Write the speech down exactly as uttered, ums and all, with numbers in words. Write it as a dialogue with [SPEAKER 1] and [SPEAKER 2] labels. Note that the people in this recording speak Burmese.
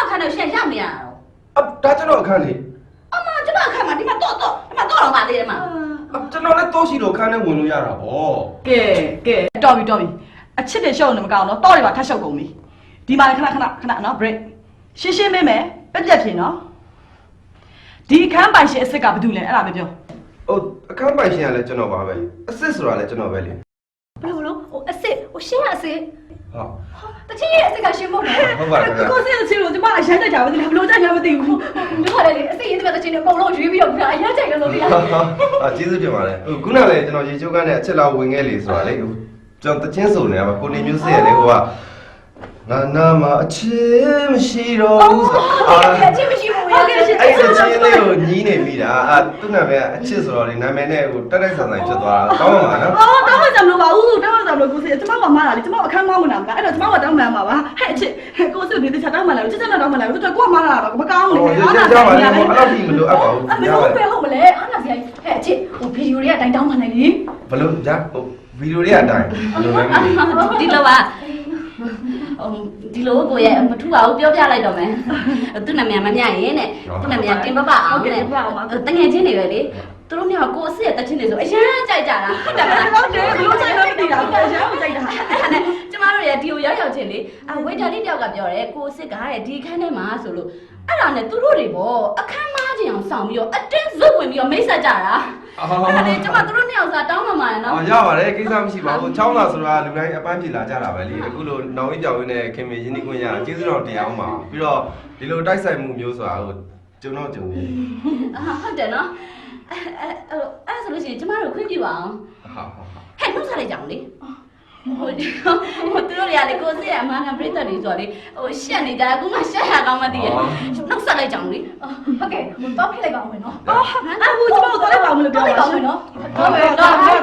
[SPEAKER 1] 看到现象的呀？
[SPEAKER 2] 啊，大家都看你。
[SPEAKER 1] 啊妈，这个看嘛，你妈多多，你妈多少嘛的嘛？
[SPEAKER 2] 啊，这老来多些都看那文路呀了哦。
[SPEAKER 3] 给给，တော်ပြီတော်ပြီအချစ်တဲ့ရှော့နေမကောင်းတော့တော့တွေပါထပ်ရှော့ကုန်ပြီဒီမှာခဏခဏခဏနော် break ရှင်းရှင်းမင်းမယ်ပြက်ပြက်ဖြစ်နော်ဒီအခန်းပိုင်ရှင်အစ်စ်ကဘာလုပ်လဲအဲ့ဒါပဲပြော
[SPEAKER 2] 哦，看白线来就那把呗，四十万来就那呗哩。
[SPEAKER 1] 不是不是，我အစစ်我ရှင်းရစစ်
[SPEAKER 2] 好，
[SPEAKER 1] တချင်းရဲ့အစစ်ကရှင်းဖို့လေ
[SPEAKER 2] 好吧，好吧。
[SPEAKER 3] ကိုစင်းချင်းလို့ဒီမှာအဆိုင်ကြကြပါသေးတယ်ဘလို့ကြညာမသိဘူး
[SPEAKER 1] တို့ကလည်းအစစ်ရင်းတဲ့တချင်းတွေအကုန်လုံးရွေးပြီးတော့ပြအရင်ကြိုက်လို့ဗျာ
[SPEAKER 2] 啊，ကျေးဇူးတင်ပါတယ်။ခုနကလည်းကျွန်တော်ရေချိုးကန်းနဲ့အချက်လောက်ဝင်ခဲ့လေဆိုတာလေ။ကျွန်တော်တချင်းစုံနေရပါကိုနေမျိုးစစ်ရလေဟိုကငါနာမအချစ်မရှိတော့ဘူးဆို
[SPEAKER 1] အာအချင်းမရှိဘူးဟုတ်ကဲ့ရှင်း
[SPEAKER 2] အဲ့ဒီချင်းလေးကိုညီးနေပြီတာအာသူ့နာမည်အချစ်ဆိုတော့လေနာမည်နဲ့ဟိုတက်တက်ဆန်ဆန်ဖြစ်သွားတာကောင်းပါမှာနော်
[SPEAKER 3] အော်တောင်းမှကြမလို့ပါဘူးတောင်းမှကြမလို့ကိုစင်းကျမကမားတာလေကျမအခန်းမောင်းဝင်တာမလားအဲ့တော့ကျမကတောင်းမှန်ပါပါဟဲ့အချစ်ကိုစင်းဒီတခြားတောင်းမှန်လားချက်ချက်နဲ့တောင်းမှန်လားတော်တော်ကိုကမားတာတော့မကောင်းဘူးလေ
[SPEAKER 2] ဟိုရကြပါလေအဲ့လောက်ကြီးမလို့အပ်ပါဘူး
[SPEAKER 1] အမေဟုတ်ပဲဟုတ်မလဲအားနာစရာဟဲ့အချင်းဟိုဗီဒီယိုတွေကအတိုင်းတောင်းမှနိုင်လေ
[SPEAKER 2] ဘလို့ကြာဟိုဗီဒီယိုတွေအတိုင်းဘလို့လဲ
[SPEAKER 1] ဒီလိုပါဒီလိုကိုရဲ့မထူပါဘူးပြောပြလိုက်တော့မယ်သူ့နာမည်မမြရင်တဲ့သူ့နာမည်တင်ပပအောင်တဲ့တငယ်ချင်းတွေပဲလေသူတို့မျိုးကိုအစ်ရဲ့တချင်းတွေဆိုအရန်ကြိုက်ကြတာဟုတ်တယ်မလား
[SPEAKER 3] ဟုတ်တယ်ဘလို့ကြိုက်လို့မသိတာကိုရမ်းမကြိုက်တာ
[SPEAKER 1] အဲ့ဒါနဲ့ကျမတို့ရဲ့ဒီကိုရောက်ရောက်ချင်းလေအဝေတာလေးတယောက်ကပြောတယ်ကိုအစ်ကတဲ့ဒီခန်းထဲမှာဆိုလို့အဲ့ဒါနဲ့သူတို့တွေပေါ့အခန်းမားချင်းအောင်ဆောင်ပြီးတော့အတင်းဇွတ်ဝင်ပြီးတော့မိတ်ဆက်ကြတာအဲ့ဒါနဲ့ကျမတို့တို့နှစ်ယောက်စာတောင်းမှမှာနော်
[SPEAKER 2] အော်ရပါတယ်ကိစ္စမရှိပါဘူးချောင်းလာဆိုတာလူတိုင်းအပန်းဖြေလာကြတာပဲလေအခုလိုနောင်ရင်းကြောင်ရင်းနဲ့ခင်မင်းရင်းနှီးခွင့်ရတာကျေးဇူးတော်တရားအောင်ပါပြီးတော့ဒီလိုတိုက်ဆိုင်မှုမျိုးဆိုတာဟိုကျုံတော့ကျုံနေ
[SPEAKER 1] ဟုတ်တယ်နော်အဲ့အဲ့အဲ့ဆိုလို့ရှိရင်ကျမတို့ခွင့်ပြုပါအောင်
[SPEAKER 2] ဟုတ်ဟုတ်ဟုတ်
[SPEAKER 1] ဟဲ့နှုတ်ဆက်လိုက်ကြအောင်လေဟိုဟိုသူတို့တွေကလေကိုစစ်ရအမှန်ကန်ပြိတ္တတွေဆိုတော့လေဟိုရှက်နေကြအခုမှရှက်ရကောင်းမှသိရနှုတ်ဆက်လိုက်ကြအောင်လေဟုတ်ကဲ့တော့ဖိလိုက်ပါအောင်မယ်နော်
[SPEAKER 3] အော်အခုကျမတို့သွားလိုက်ပါဦးမလို့ပြော
[SPEAKER 1] တော့
[SPEAKER 3] ပါ
[SPEAKER 1] လိုက်ပါ
[SPEAKER 3] ရှ
[SPEAKER 1] အောင်
[SPEAKER 3] င်
[SPEAKER 1] မယ်နော်ဟုတ်ကဲ့တော့